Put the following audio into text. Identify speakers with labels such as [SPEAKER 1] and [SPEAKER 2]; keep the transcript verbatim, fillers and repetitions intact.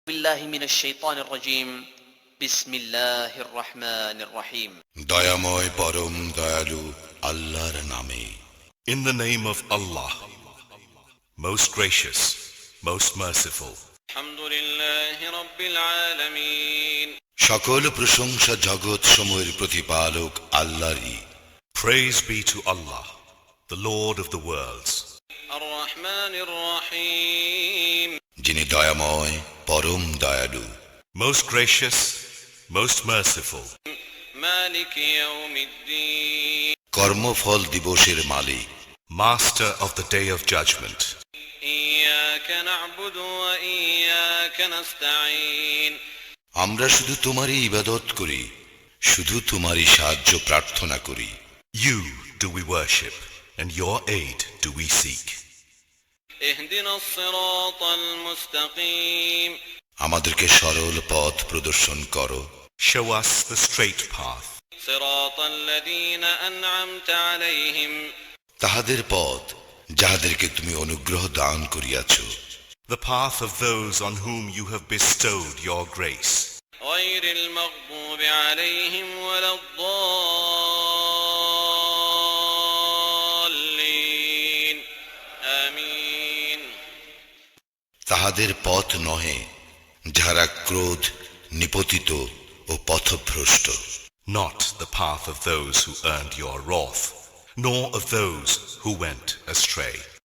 [SPEAKER 1] بالله من الشيطان الرجيم بسم الله الرحمن الرحيم
[SPEAKER 2] দয়াময় পরম দয়ালু আল্লাহর নামে।
[SPEAKER 3] In the name of Allah, most gracious, most merciful.
[SPEAKER 4] الحمد لله رب العالمين
[SPEAKER 2] সকল প্রশংসা জগৎ সমূহের প্রতিপালক আল্লাহরই।
[SPEAKER 3] Praise be to Allah, the Lord of the worlds.
[SPEAKER 4] الرحمن الرحيم
[SPEAKER 2] যিনি দয়াময় পরম দয়ালু,
[SPEAKER 3] Most gracious, most merciful.
[SPEAKER 4] مالك يوم الدين
[SPEAKER 2] কর্মফল দিবসের মালিক,
[SPEAKER 3] Master of the day of judgment.
[SPEAKER 4] إياك نعبد وإياك نستعين
[SPEAKER 2] আমরা শুধু তোমারই ইবাদত করি, শুধু তোমারই সাহায্য প্রার্থনা করি।
[SPEAKER 3] You do we worship, and your aid do we seek.
[SPEAKER 4] اهدنا الصراط المستقيم
[SPEAKER 2] আমাদেরকে সরল পথ প্রদর্শন করো,
[SPEAKER 3] Show us the straight path,
[SPEAKER 4] صراط الذين أنعمت عليهم
[SPEAKER 2] তাহাদের পথ যাহাদেরকে তুমি অনুগ্রহ দান করিয়াছ,
[SPEAKER 3] the path of those on whom you have bestowed your grace.
[SPEAKER 4] غير المغضوب عليهم ولا الضالين آمين
[SPEAKER 2] তাহাদের পথ নহে যাহারা ক্রোধ নিপতিত ও পথভ্রষ্ট,
[SPEAKER 3] Not the path of those who earned your wrath, nor of those who went astray.